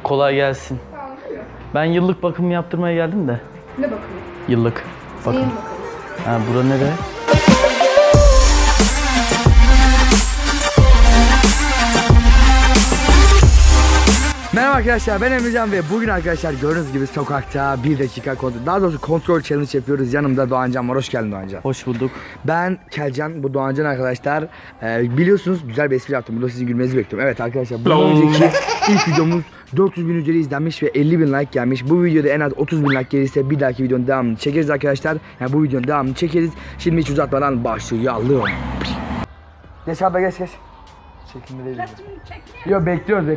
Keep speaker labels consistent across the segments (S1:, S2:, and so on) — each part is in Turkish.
S1: Kolay gelsin.
S2: Sağ olun.
S1: Ben yıllık bakım yaptırmaya geldim de.
S2: Ne bakımı?
S1: Yıllık bakım.
S2: Neyin bakımı?
S1: Ha, bura nere?
S3: Merhaba arkadaşlar, ben Emrecan ve bugün arkadaşlar gördüğünüz gibi sokakta 1 dakika kontrol, daha doğrusu kontrol challenge yapıyoruz. Yanımda Doğancan var. Hoş geldin Doğancan.
S1: Hoş bulduk.
S3: Ben Kelcan, bu Doğancan arkadaşlar. Biliyorsunuz güzel bir espri yaptım. Burada sizin gülmenizi bekliyorum. Evet arkadaşlar, bundan önceki ilk videomuz 400 bin üzeri izlenmiş ve 50 bin like gelmiş. Bu videoda en az 30 bin like gelirse bir dahaki videonun devamını çekeriz arkadaşlar. Yani bu videonun devamını çekeriz. Şimdi hiç uzatmadan başlayalım. Geç abi, geç. Çekimde değil. Yok, bekliyoruz.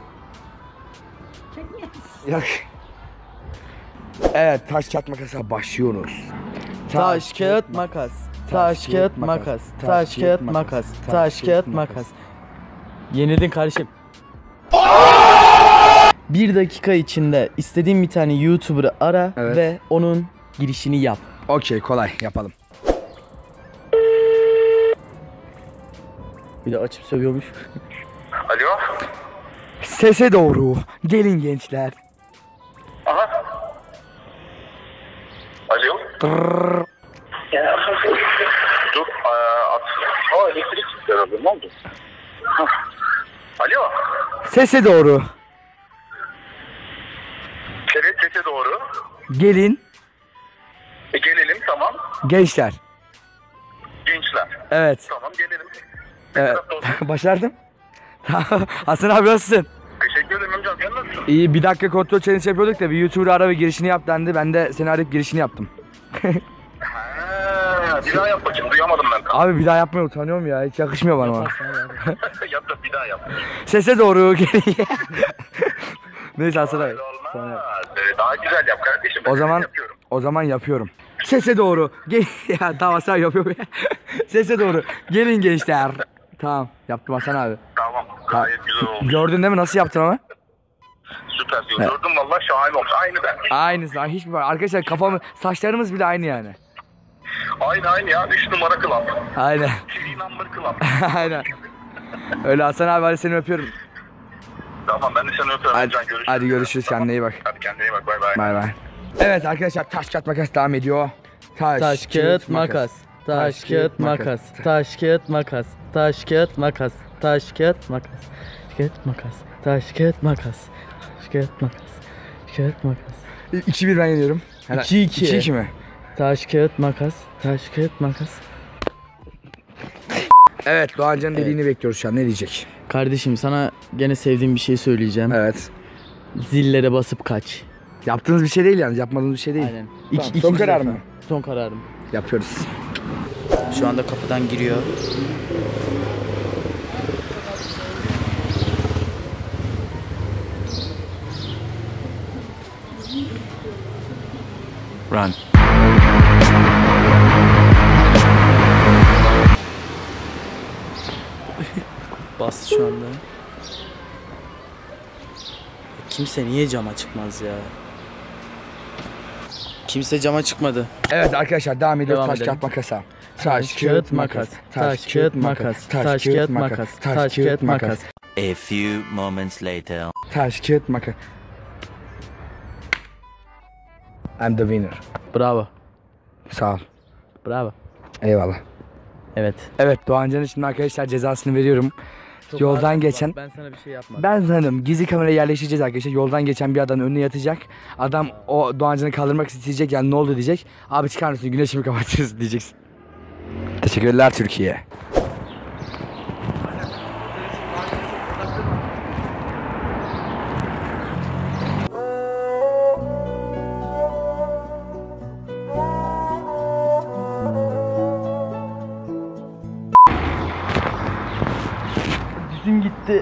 S3: Yok. Evet, taş kağıt makasa başlıyoruz.
S1: Taş kağıt makas. Taş kağıt makas. Taş kağıt makas. Taş kağıt makas. Yenildin kardeşim. 1 dakika içinde istediğin bir tane YouTuber'ı ara ve onun girişini yap.
S3: Okey, kolay yapalım.
S1: Bir de açıp sövüyormuş.
S4: Alo.
S3: Sese doğru gelin gençler.
S4: Aha. Alo. Dur. Elektrik gitti herhalde. Ne oldu? Alo.
S3: Sese doğru
S4: Evet, sese doğru.
S3: gelin
S4: Gelelim, tamam.
S3: gençler.
S4: Gençler.
S3: Evet.
S4: Tamam, gelelim.
S3: Evet. Başardım. Hasan abi nasılsın?
S4: Teşekkür ederim amcam. Sen nasılsın?
S3: İyi, 1 dakika kontrol challenge yapıyorduk da bir YouTuber ara ve girişini yap dendi. Ben de seni arayıp girişini yaptım.
S4: Bir daha yap bakayım. Duyamadım ben.
S3: Abi bir daha yapmaya utanıyorum ya. Hiç yakışmıyor bana.
S4: Yap da bir daha yap.
S3: Sese doğru gelin. Neyse Hasan abi.
S4: Olmaz. Daha güzel yap kardeşim. Ben yapıyorum.
S3: O zaman yapıyorum. Sese doğru gel. Ya tamam, Hasan yapıyor ya. Sese doğru gelin gençler. Tamam, yaptım Hasan abi.
S4: Tamam. Gayet güzel oldu.
S3: Gördün değil mi nasıl yaptım ama?
S4: Süper diyor. Gördüm valla, şahane olmuş. Aynı ben.
S3: Aynısı. Hiçbir var. Arkadaşlar kafamı, saçlarımız bile aynı yani.
S4: Aynı ya. 3 numara club.
S3: Aynen.
S4: 3 number club.
S3: Aynen. Öyle Hasan abi, hadi seni öpüyorum.
S4: Tamam, ben de seni öpüyorum.
S3: Hadi,
S4: Can, görüşürüz.
S3: hadi görüşürüz, kendine iyi bak.
S4: Hadi kendine iyi bak, bay bay.
S3: Bay bay. Evet arkadaşlar, taş kağıt makas devam ediyor.
S1: Taş kağıt makas. Taş kağıt makas. Taş kağıt makas. Taş kağıt makas. Taş kağıt makas. Taş kağıt makas. Taş kağıt makas. Taş kağıt makas. Taş kağıt makas.
S3: 2-1 ben yeniyorum.
S1: 2-2.
S3: 2-2 mi?
S1: Taş kağıt makas. Taş kağıt makas.
S3: Evet, Doğancan'ın dediğini bekliyoruz şu an. Ne diyecek?
S1: Kardeşim, sana gene sevdiğim bir şey söyleyeceğim.
S3: Evet.
S1: Zillere basıp kaç.
S3: Yaptığınız bir şey değil yani. Yapmadığınız bir şey değil.
S1: Aynen.
S3: Tamam, son
S1: İkinci
S3: karar
S1: defa.
S3: mı?
S1: Son kararım.
S3: Yapıyoruz.
S1: Şu anda kapıdan giriyor.
S3: Run.
S1: Bastı şu anda. Kimse niye cama çıkmaz ya? Kimse cama çıkmadı.
S3: Evet arkadaşlar, devam ediyoruz.
S1: Devam
S3: Taş
S1: edelim.
S3: kağıt makasa.
S1: Taş kağıt makas. Taş kağıt makas. Taş kağıt makas. Taş kağıt makas.
S5: A few moments later.
S3: Taş kağıt makas. I'm the winner.
S1: Bravo.
S3: Sağ ol.
S1: Bravo.
S3: Eyvallah.
S1: Evet.
S3: Evet, Doğancan'ın şimdi arkadaşlar cezasını veriyorum. Yoldan geçen...
S1: Ben sana bir şey yapmadım.
S3: Ben sanırım gizli kamera yerleştireceğiz arkadaşlar. Yoldan geçen bir adamın önüne yatacak. Adam o Doğancan'ı kaldırmak isteyecek, yani ne oldu diyecek. Abi çıkar mısın, güneşimi kapatıyoruz diyeceksin. Teşekkürler Türkiye.
S1: Yüzüm gitti.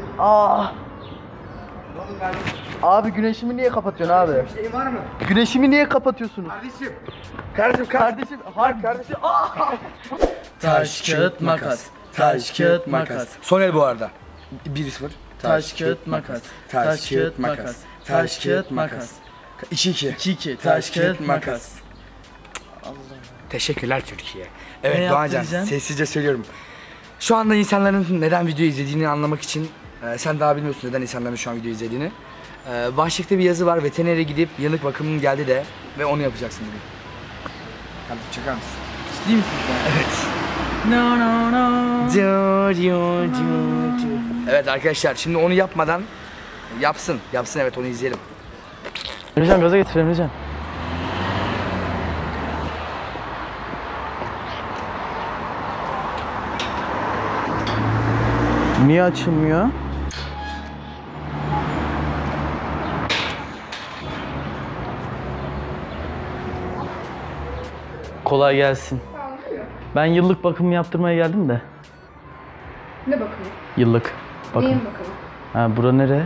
S1: Abi güneşimi niye kapatıyorsun abi?
S3: Şey var mı?
S1: Güneşimi niye kapatıyorsunuz?
S3: Kardeşim.
S1: Kardeşim. Taş kağıt makas. Taş kağıt makas.
S3: Son el bu arada. 1-0.
S1: Taş kağıt makas. Taş kağıt makas. Taş kağıt makas.
S3: 2-2.
S1: 2-2. Taş kağıt makas.
S3: Teşekkürler Türkiye. Evet
S1: Ne
S3: Doğancan,
S1: yaptıracaksın?
S3: sessizce söylüyorum. Şu anda insanların neden video izlediğini anlamak için sen daha bilmiyorsun neden insanların şu an video izlediğini. Başlıkta bir yazı var. Veterinere gidip yanık bakımın geldi de ve onu yapacaksın bugün. Hadi çakar mısın?
S1: Ciddi misin sen?
S3: Evet.
S1: No no no.
S3: Evet arkadaşlar şimdi onu yapmadan yapsın evet onu izleyelim.
S1: Emrecan gaza getir Emrecan. Niye açılmıyor? Kolay gelsin. Ben yıllık bakım yaptırmaya geldim de.
S2: Ne bakımı?
S1: Yıllık bakım.
S2: Neyin bakımı?
S1: Ha bura nere?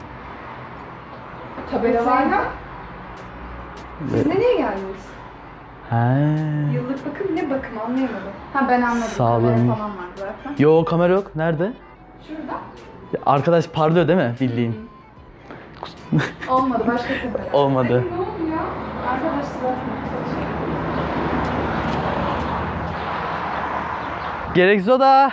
S2: Tabelalarla. Siz nereye geldiniz?
S1: Ha.
S2: Yıllık bakım ne bakım anlayamadım. Ha ben anladım.
S1: Sağlığım.
S2: Kamera falan var zaten.
S1: Yo kamera yok. Nerede?
S2: Şurada.
S1: Ya, arkadaş parlıyor değil mi bildiğin?
S2: Olmadı başka sefer.
S1: Olmadı.
S2: Ne oldu ya? Arkadaşlar.
S1: Gerek soda.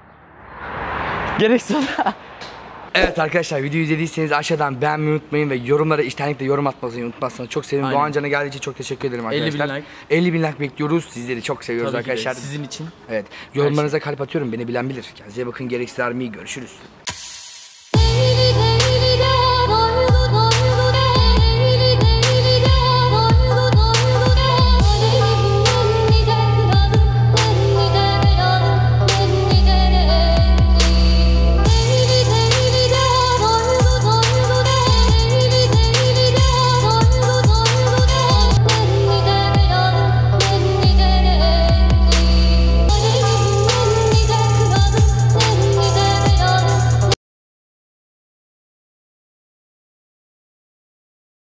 S1: Gerek soda.
S3: Evet arkadaşlar videoyu izlediyseniz aşağıdan beğenmeyi unutmayın ve yorumlara içtenlikle yorum atmayı unutmazsanız çok sevinirim.
S1: Aynen.
S3: Doğan Can'a geldiği için çok teşekkür ederim
S1: 50.000
S3: arkadaşlar.
S1: like.
S3: 50.000 like bekliyoruz. Sizleri çok seviyoruz
S1: Tabii ki de,
S3: arkadaşlar.
S1: sizin için.
S3: Evet. Yorumlarınıza kalp atıyorum. Beni bilen bilir. Kendinize bakın. Gereksiz Army. Görüşürüz.